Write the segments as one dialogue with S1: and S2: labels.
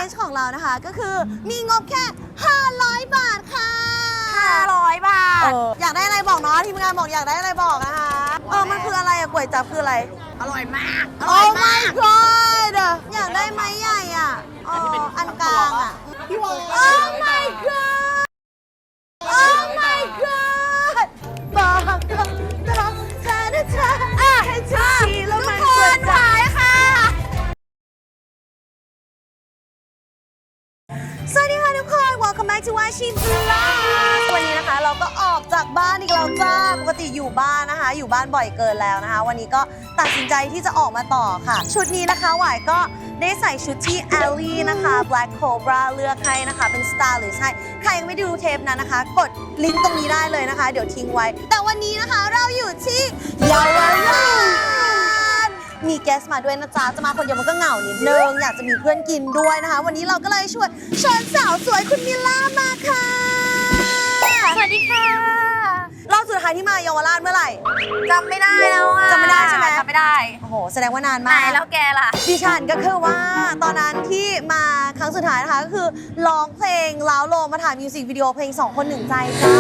S1: challenge ของเรานะคะก็คือมีงบแค่500 บาทค่ะ
S2: 500 บาท
S1: อยากได้อะไรบอกเนาะทีมงานบอกอยากได้อะไรบอกนะคะมันคืออะไรอะก๋วยจั๊บคืออะไร
S2: อร่อยมาก
S1: โอ้ my god อยากได้ไม้ใหญ่อ่ะอันกลางอ่ะพี่วอ Oh my god Oh my god บอกกับเธอนะเธอให้เธอแล้วมันเกิดใจค่ะสวัสดีค่ะทุกคน Welcome back to Washi Vlog วันนี้นะคะเราก็ออกจากบ้านอีกแล้วจ้าปกติอยู่บ้านนะคะอยู่บ้านบ่อยเกินแล้วนะคะวันนี้ก็ตัดสินใจที่จะออกมาต่อค่ะชุดนี้นะคะหวายก็ได้ใส่ชุดที่ Ellie นะคะ Black Cobra เลือกให้นะคะเป็น stylist ให้ใครยังไม่ดูเทปนั้นนะคะกดลิงก์ตรงนี้ได้เลยนะคะเดี๋ยวทิ้งไว้แต่วันนี้นะคะเราอยู่ที่เยาวราชมีแกสมาด้วยนะจ๊ะจะมาคนเดียวมันก็เหงานิดนึงอยากจะมีเพื่อนกินด้วยนะคะวันนี้เราก็เลยเชิญสาวสวยคุณมิลล่ามาค่ะ
S2: สวัสดีค่ะ
S1: รอบสุดท้ายที่มาเยาวราชเมื่อไหร่
S2: จำไม่ได้แล้วอะ
S1: จำไม่ได้ใช่ไหม
S2: จำไม่ได้
S1: โอ้โหแสดงว่านานมาก
S2: ไหนแล้วแกล่ะ
S1: ดิฉันก็คือว่าตอนนั้นที่มาครั้งสุดท้ายนะคะก็คือร้องเพลงล้าวโลมมาถ่ายมิวสิกวิดีโอเพลง2 คน 1 ใจจ้า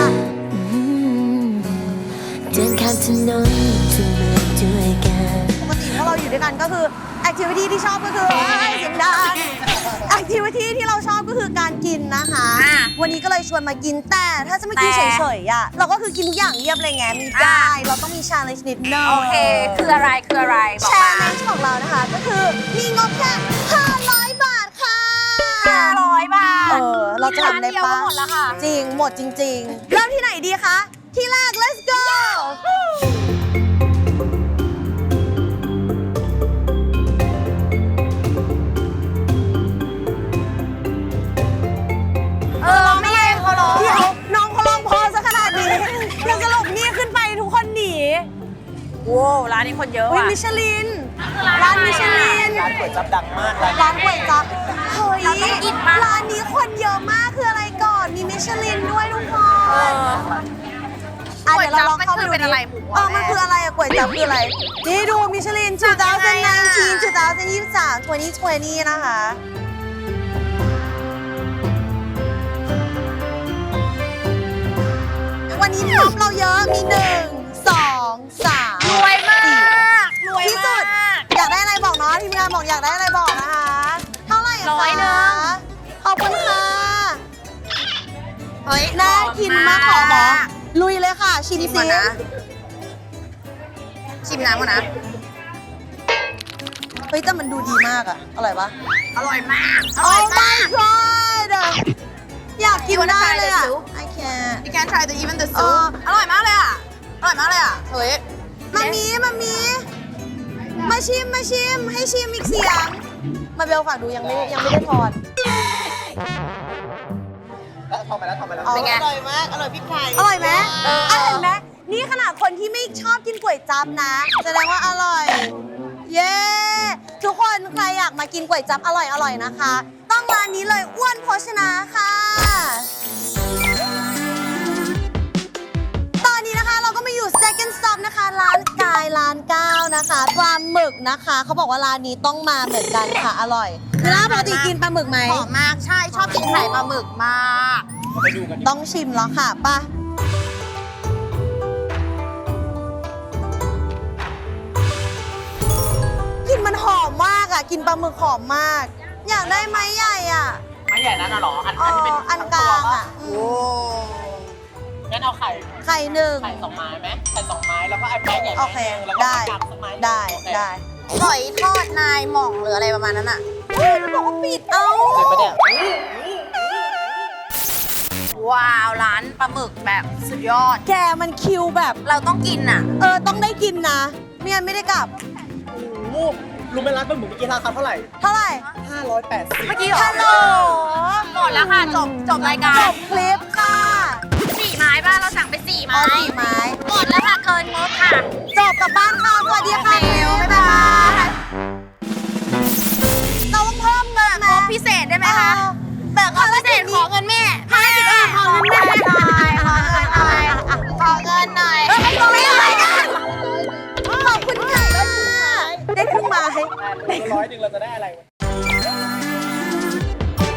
S3: เดินข้ามถนนทุกเมื่อด้วยกัน
S1: ปกติพวกเราอยู่ด้วยกันก็คือแอคทิวิตี้ที่ชอบก็คือเสียงดังแอคทิวิตี้ที่เราชอบก็คือการกินนะคะวันนี้ก็เลยชวนมากินแต่ถ้าจะมากินเฉยๆอ่ะเราก็คือกินทุกอย่างเรียบเลยไงมีได้เราต้องมี challenge นิดนึง
S2: โอเคคืออะไรบอกมา
S1: challenge ของเรานะคะก็คือมีงบแค่500 บาทค่ะ
S2: 500 บาท
S1: เราจะทำได้ปะ
S2: หมดแล้วค่ะ
S1: จริงหมดจริงๆเริ่มที่ไหนดีคะที่แรก let's go
S2: ไม่เองเขาร้อง
S1: เดี๋ยวน้องเขาร้องพอซะขนาดนี้แล้วสรุปนี่ขึ้นไปทุกคนหนี
S2: โว้ร้านนี้คนเยอะว่ะ
S1: มิชลินร้านมิชลิน
S4: ร้านก๋วยจั๊บดังมาก
S1: ร้านก๋วยจั๊บเฮ้ยร้านนี้คนเยอะมากคืออะไรก่อนมีมิชลินด้วยทุกคน
S2: ก๋วยจั๊บมันคือเป็นอะไร
S1: มันคืออะไรอะก๋วยจั๊บคืออะไรนี่ดูมิชลิน2019 2023 2020นะคะวันนี้ท็อปเราเยอะมี1 2 3
S2: รวยมากรวย
S1: ที่สุดอยากได้อะไรบอกเนาะทีมงานบอกอยากได้อะไรบอกนะคะเท่าไหร่คะ
S2: 100ข
S1: อบคุณค่ะ
S2: เฮ้ย
S1: น่ากินมากขอหมอลุยเลยค่ะชิมซิ
S2: ชิมน้ำก่อนนะ
S1: เฮ้ยแต่มันดูดีมากอะอร่อยปะ
S2: อร่อยมาก
S1: โอ้ my god อยากกินได้เลยอะ I can't
S2: You can try the even the soup อร่อยมากเลยอะเฮ้ย
S1: มาชิมให้ชิมอีกเสียงมาเบลฝากดูยังไม่ได้ทอด
S4: ทำไปแล้ว
S1: เป็นไงอร่อยมากอร่อยพริกไทยอร่อยไหมเห็นไหมนี่ขนาดคนที่ไม่ชอบกินก๋วยจั๊บนะแสดงว่าอร่อยเย้ทุกคนใครอยากมากินก๋วยจั๊บอร่อยนะคะต้องร้านนี้เลยอ้วนโภชนาค่ะตอนนี้นะคะเราก็มาอยู่ second stop นะคะร้านกายร้าน9นะคะปลาหมึกนะคะเขาบอกว่าร้านนี้ต้องมาเหมือนกันค่ะอร่อยแล้วปกติกินปลาหมึกไหม
S2: หอมมากใช่ชอบกินไข่ปลาหมึกมาก
S1: ต้องชิมแล้วค่ะป่ะกลิ่นมันหอมมากอ่ะกินปลาหมึกหอมมากอยากได้ไม้ใหญ่อ่ะ
S4: ไม้ใหญ่นั่นน่ะหรออันที่เป็น
S1: อันกลางอ่ะ
S4: โอ้งั้นเอาไข่
S1: 1
S4: ไข่2 ไม้ไหมไข่2 ไม้แล้วก็ไอ้แป้งใหญ่
S1: โอเคได้
S2: หอยทอดนายหม่องหรืออะไรประมาณนั้นอ่ะ
S1: มันบอกว่าปิด
S2: ว้าวร้านปลาหมึกแบบสุดยอด
S1: แกมันคิวแบบ
S2: เราต้องกินอ่ะ
S1: ต้องได้กินนะไม่งั้นไม่ได้กลับ
S4: รู้ไหมร้านปลาหมึกเมื่อกี้ราคาเท่าไหร่580
S2: เมื่อกี้เหรอ
S1: ฮัลโหล
S2: หมดแล้วค่ะจบรายการ
S1: จบคลิปค่ะ
S2: 4 ไม้บ้านเราสั่งไป4 ไม้
S1: 4 ไม้
S2: หมดแล้วค่ะเกินงบค่ะ
S1: จบกลับบ้านค่ะสวัสดีค่ะบ๊ายบายเราต้องเพิ่มเงิน
S2: งบพิเศษได้ไหมคะแบบงบพิเศษขอเงินแม่
S1: ภารกิจอื่นขอเงินแม่
S2: ขอเงินหน่อย
S1: ไม่ได้ขอบคุณค่ะได้ครึ่งไม้
S4: 100เราจะได้อะไร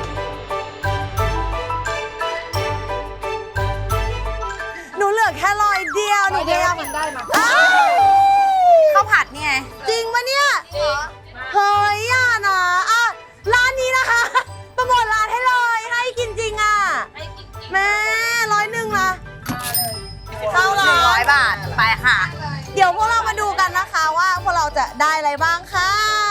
S1: จะได้อะไรบ้างค่ะ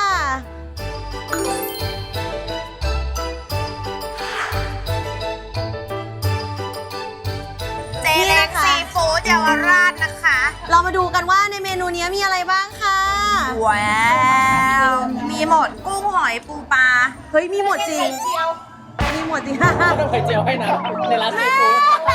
S2: เจเล็กซีฟู้ดเยาวราชนะคะ
S1: เรามาดูกันว่าในเมนูนี้มีอะไรบ้างค่ะ
S2: ว้าวมีหมดกุ้งหอยปูปลา
S1: เฮ้ย มีหมดจริง มีหมดจริง
S4: ต้องไข่เจียวให้นะในร้านซีฟู้ด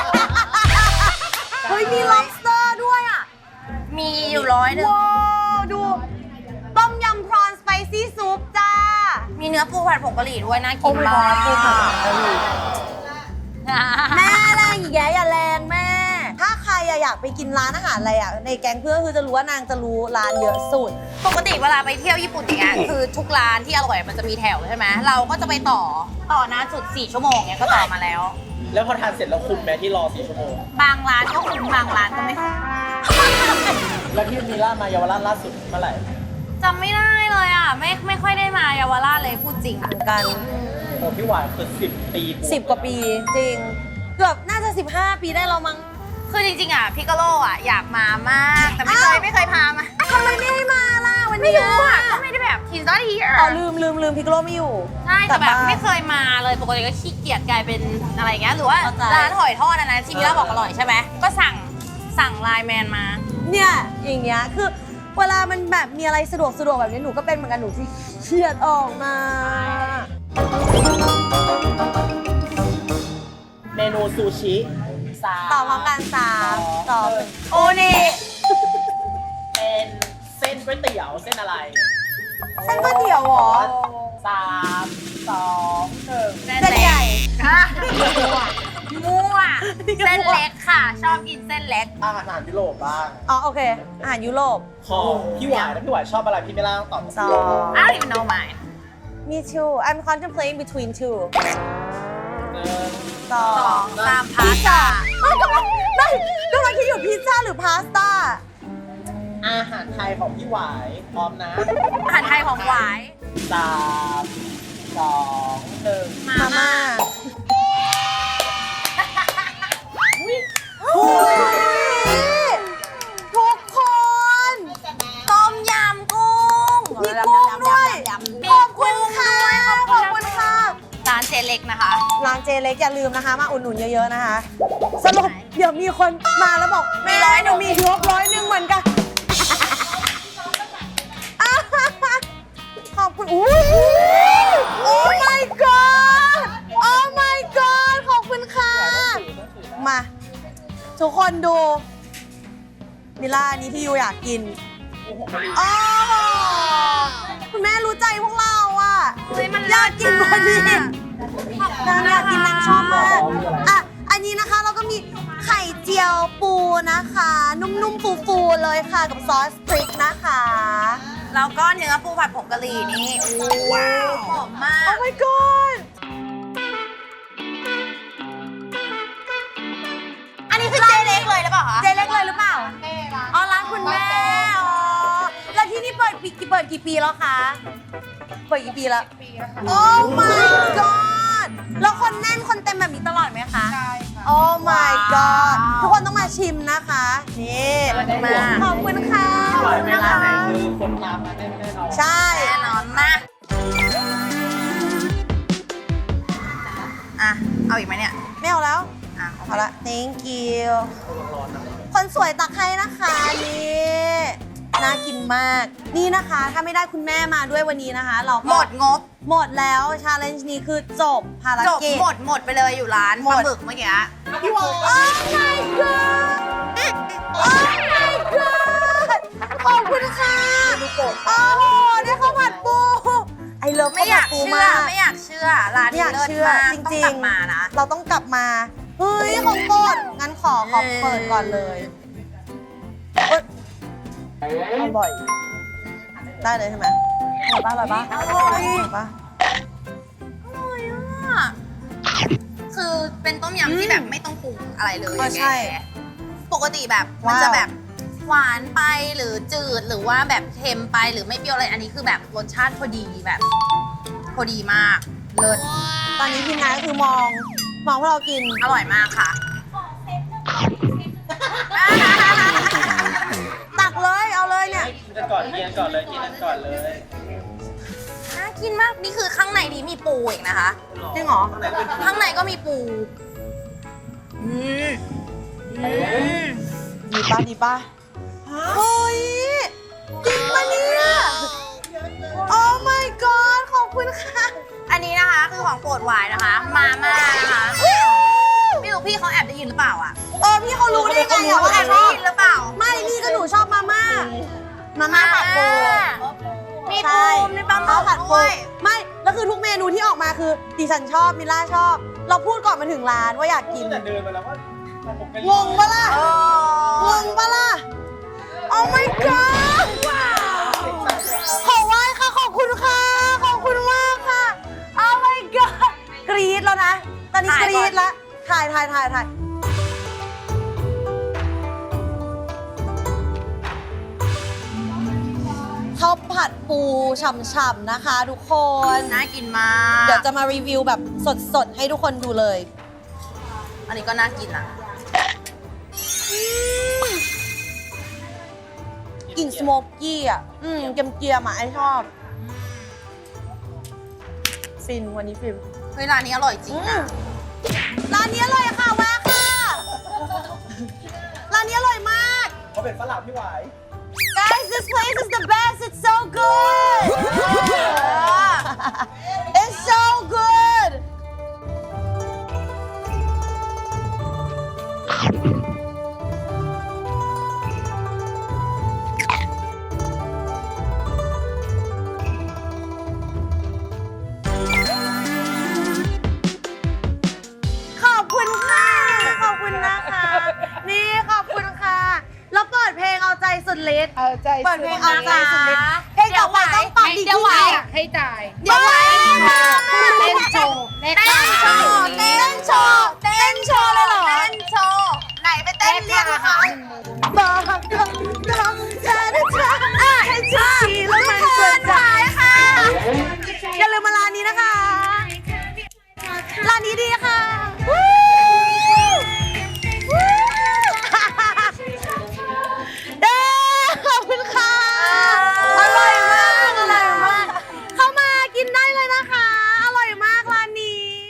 S1: เฮ้ย มี lobster ด้วยอ่ะ
S2: มีอยู่100
S1: ว้าวดู ต้มยำพรอนสไปซี่ซุปจ้า
S2: มีเนื้อปูผัดผงกะหรี่ด้วยน่ากินมาก
S1: ปูผัดผงกะหรี่ แม่แรงอีกแย่อย่าแรงแม่ ถ้าใครอยากไปกินร้านอาหารอะไรอ่ะ ในแก๊งเพื่อนคือจะรู้ว่านางจะรู้ร้านเยอะสุด
S2: ปกติเวลาไปเที่ยวญี่ปุ่นอย่างเงี้ยคือทุกร้านที่อร่อยมันจะมีแถวใช่ไหมเราก็จะไปต่อนานสุด4 ชั่วโมงเนี้ยก็ต่อมาแล้ว
S4: แล้วพอทานเสร็จแล้วคุ้มไหมที่รอ4 ชั่วโมง
S2: บางร้านก็คุ้มบางร้านก็ไม่คุ้ม
S4: แล้วพี่มีล่ามาเยาวราชล่าสุดเมื่อไหร่
S2: จำไม่ได้เลยอ่ะไม่ค่อยได้มาเยาวราชเลยพูดจริง
S1: เหมือนกัน
S4: โอ้พี่หวานคือ10 ปีบว
S1: 10 กว่าปีจริง เกือบน่าจะ 15 ปีได้แล้วมั้ง
S2: คือจริงๆอ่ะพิกาโลอ่ะอยากมามาก แต่ไม่เคยพามา
S1: ทำไมไม่ให้มาล่ะวัน
S2: ไม่
S1: นี้
S2: รู้อ่ะก็ไม่ได้แบบ he's not here
S1: อ๋อลืมพิกโลไม่อยู่
S2: ใช่แต่แบบ
S1: า
S2: ไม่เคยมาเลยปกติก็ขี้เกียจกลายเป็นอะไรอย่างเงี้ยหรือว่า
S1: เข้าใจ
S2: ร้านหอยทอดอันนั้นที่มิล่าบอกอร่อยใช่ไหมก็สั่งไลน์แมนมา
S1: เนี่ยอย่างเงี้ยคือเวลามันแบบมีอะไรสะดวกแบบนี้หนูก็เป็นเหมือนกันหนูที่เครียดออกมา
S4: เมนูซูชิ3
S1: ต่อพร้อมกัน3 2 โอนี่
S4: เป็นเส้นก๋วยเตี๋ยวเส้นอะไร
S1: เส้นก๋วยเตี๋ยวเหรอ
S4: 3 2 1
S1: เส้นใหญ่
S2: ค่ะมั่วเส้นเล็กค่ะ ชอบกินเส้นเล็ก
S4: อาหารยุโรปบ้าง
S1: อ๋อโอเค อาหารยุโรป
S4: ของพี่หวานนะพี่หวานชอบอะไรพี่ไม่ล่าต้องตอบ
S1: สอง
S2: I don't even know mine
S1: Me too I'm contemplating between two สอ
S2: 2
S1: ง
S2: 3พาสต้า
S1: กำลังคิดอยู่พิซซ่าหรือพาสต้า
S4: อาหารไทยของพี่หวายพร้อมนะ
S2: อาหารไทยของหวาย
S4: 3 2 1
S1: มาม่าทุกคน
S2: ต้มยำกุ้ง
S1: มีกุ้งด้วยขอบคุณค่ะขอบคุณค่ะ
S2: ร้านเจเล็กนะคะ
S1: ร้านเจเล็กอย่าลืมนะคะ มาอุดหนุนเยอะๆนะคะ สรุปเดี๋ยวมีคนมาแล้วบอกแม่หนูมีงบ100เหมือนกัน ขอบคุณอุ้ยโอ้ my god โอ้ my god ขอบคุณค่ะ มา ทุกคนดูมิล่าอันนี้ที่ยูอยากกินอ๋อคุณแม่รู้ใจพวกเราอ่ะ
S2: เฮ้ยมัน
S1: อยากกินพอดี นางอยากกินนางชอบมากอ่ะ อันนี้นะคะเราก็มีไข่เจียวปูนะคะ นุ่มๆฟูๆเลยค่ะกับซอสพริกนะคะ
S2: แล้วก็เนื้อปูผัดผงกะหรี่นี่ว้าวหอมมาก
S1: โอ้ my god
S2: อันนี้คือเจเล็กเลยหรือเปล่าคะ
S1: เจเล็กเลยหรือเปล่าอ๋อร้านคุณแม่อ๋อแล้วที่นี่เปิดกี่ปีแล้วคะ เปิดกี่ปีแล้วโอ้ my god แล้วคนแน่นคนเต็มแบบนี้ตลอดไหมคะ ใช่ค่ะ โอ้ my god ทุกคนต้องมาชิมนะคะ นี่มาขอบคุณค่ะ
S4: พี่หวานไม่ร้านไหนคือคนตามมาแน่นอน
S1: ใช่
S2: แน่นอนมากอ่ะ เอาอีกไหมเนี่ย
S1: ไม่เอาแล้ว
S2: อ่ะโอเค
S1: เอาละ thank you คนสวยตักให้นะคะนี่น่ากินมาก นี่นะคะ ถ้าไม่ได้คุณแม่มาด้วยวันนี้นะคะ เราก็
S2: หมดงบ
S1: หมดแล้วชาเลนจ์นี้คือจบภาร
S2: จบ
S1: กิจ
S2: หมดไปเลยอยู่ร้าน
S1: หม
S2: ป
S1: ด
S2: ลาหมึกเมื่อกี้
S4: พี่หวาน
S1: Oh my god Oh my god ขอบคุณค่ะ โอ้โหได้ข้าวผัดปูไอเลิฟ
S2: ไม่
S1: ข้าว
S2: อ
S1: ผั
S2: ยา
S1: ด
S2: ก
S1: ปู
S2: เชื่อ
S1: มาก
S2: ไม่อยากเชื่อ ร้าน
S1: ไม่อ
S2: นี้
S1: ยาก
S2: เลิศ
S1: เชื่อ
S2: มาก
S1: จ
S2: ต้อง
S1: ริ
S2: ก
S1: ง
S2: ลับมานะ
S1: เราต้องกลับมา เฮ้ย ของโปรดงั้นขอเปิดก่อนเลยเอ้ยอร่อย ได้เลยใช่ไหมอร่อยปะอร่อยปะ
S2: อร่อยอ่ะ คือเป็นต้มยำที่แบบไม่ต้องปรุงอะไรเลย
S1: ก็ใช่
S2: แกปกติแบบมัน
S1: ว้าว
S2: จะแบบหวานไปหรือจืดหรือว่าแบบเค็มไปหรือไม่เปรี้ยวอะไร อันนี้คือแบบรสชาติพอดีแบบพอดีมาก เลิศ
S1: ตอนนี้ทีมงานก็คือมองพวกเรากิน
S2: อร่อยมากค่ะ
S1: ตักเลย เอาเลยเนี่ย
S4: ให้กินกันก่อนกินกันก่อนเลยกินกันก่อนเลย
S2: น่ากินมาก นี่คือข้างในนี้มีปูอีกนะคะ
S1: จริงเหรอ
S2: ข้างในก็มีปู
S1: ดีป่ะดีป่ะเฮ้ยจริงปะเนี่ยโอ้ my god ขอบคุณค่ะ
S2: อันนี้นะคะคือของโปรดหวายนะคะ มาม่านะคะไม่รู้พี่เขาแอบได้ยินหรือเปล่าอ่ะ
S1: พี่เขารู้ได้ไงอะว่า
S2: แอ
S1: แอ
S2: บบ ได้
S1: ชอบ
S2: ยินหรือเปล่า
S1: ไม่นี่ก็หนูชอบมาม่าผัดปู
S2: มี
S1: ใช่
S2: ปูมีปลาหมึ
S1: ผั
S2: ก
S1: ดปู
S2: ด้วย
S1: ไม่ แล้วคือทุกเมนูที่ออกมาคือดิฉันชอบมิล่าชอบ เราพูดก่อนมาถึงร้านว่าอยากกิน
S4: แต่เดินมาแล้วว่าผมเป็น
S1: งงปะล่ะ
S2: เอ
S1: งงปะล่ะ Oh my god ขอไหว้ค่ะ ขอบคุณค่ะ ขอบคุณมากค่ะ Oh my god กรี๊ดแล้วนะ ตอนนี้กรี๊ดแล้ว ถ่ายข้าวผัดปูฉ่ำๆนะคะทุกคน
S2: น่ากินมาก
S1: เดี๋ยวจะมารีวิวแบบสดๆ ให้ทุกคนดูเลย
S2: อันนี้ก็น่ากินอ่ะ
S1: กลิ่นสโมกกี้อ่ะ เกียมๆอ่ะไอชอบ ฟินวันนี้ฟิน
S2: เฮ้ยร้านนี้อร่อยจริงนะ
S1: ร้านนี้อร่อยค่ะแวะค่ะ ร้านนี้อร่อยมาก
S4: เขาเป็นฝรั่งพี่หวาย
S1: Guys this place is the best it's so good it's so good ขอบคุณค่ะ ขอบคุณนะคะ นี่ขอบคุณค่ะ แล้วเปิดเพลงเอาใจสุดฤทธิ์
S5: เอาใจ
S1: เปิดเพลงเอาใจสุดฤทธิ์เพลงต่อไปต้องปังดี
S2: เดี๋ยวไหว
S5: อยากให้จ่าย
S1: เดี๋ยวไหว
S5: เต้นโชว์แลก
S2: เต้
S5: ค่าน อา
S2: โช
S5: หาร
S2: ว์เต้นโชว์เต้นโชว์เลยเหรอ เต้นโชว์ ไหนไปเต้นเรียกอาหาร
S1: บอกกับเธอนะเธอให้ฉันทีแล้วมันเกิดจาก
S2: ค่ะ
S1: อย่าลืมมาร้านนี้นะคะ ร้านนี้ดีค่ะขอบคุณค่ะ อร่อยมาก อร่อยมาก เข้ามากินได้เลยนะคะ อร่อยมากร้านนี้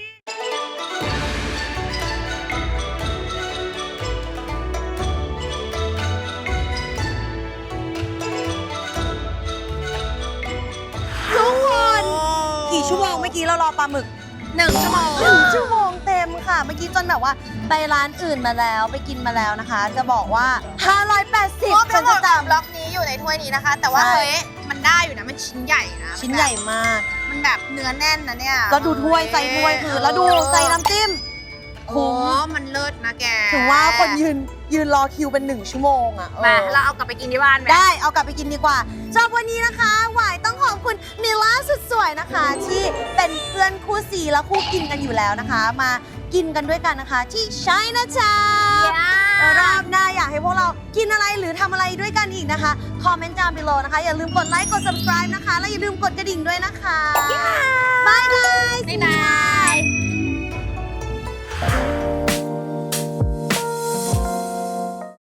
S1: ทุกคนกี่ชั่วโมงเมื่อกี้เรารอปลาหมึก
S2: 1 ชั่วโมง
S1: 1 ชั่วโมงเต็มค่ะ เมื่อกี้จนแบบว่าไปร้านอื่นมาแล้วไปกินมาแล้วนะคะ จะบอกว่า 580
S2: ครบ
S1: ฉั
S2: ทั้
S1: น
S2: งหม
S1: จะ
S2: ด
S1: จ
S2: บล็อกนี้อยู่ในถ้วยนี้นะคะ แต่ว่า
S1: ใช่
S2: เฮ้ยมันได้อยู่นะ มันชิ้นใหญ่นะ
S1: ำชิ้นใหญ่มาก
S2: มันแบบเนื้อแน่นนะเนี่ย
S1: ก็ดูถ้วยใส่ถ้วยคือ แล้วดูใส่น้ำจิ้ม
S2: โอ้
S1: คุ้ม
S2: มันเลิศนะแก
S1: ถือว่าคนยืนรอคิวเป็น 1 ชั่วโมงอ่ะ
S2: มา
S1: เออ
S2: เราเอากลับไปกินที่บ้านไหม
S1: ได้เอากลับไปกินดีกว่าสำหรับวันนี้นะคะหวายต้องขอบคุณมิล่าสุดสวยนะคะ ที่เป็นเพื่อนคู่ซีและคู่กินกันอยู่แล้วนะคะ มากินกันด้วยกันนะคะ ที่ไชน่าทาวน์รอบหน้าอยากให้พวกเรากินอะไรหรือทำอะไรด้วยกันอีกนะคะ คอมเมนต์ down below นะคะ อย่าลืมกดไลค์กด subscribe นะคะ และอย่าลืมกดกระดิ่งด้วยนะคะบาย guys
S2: บ๊ายบาย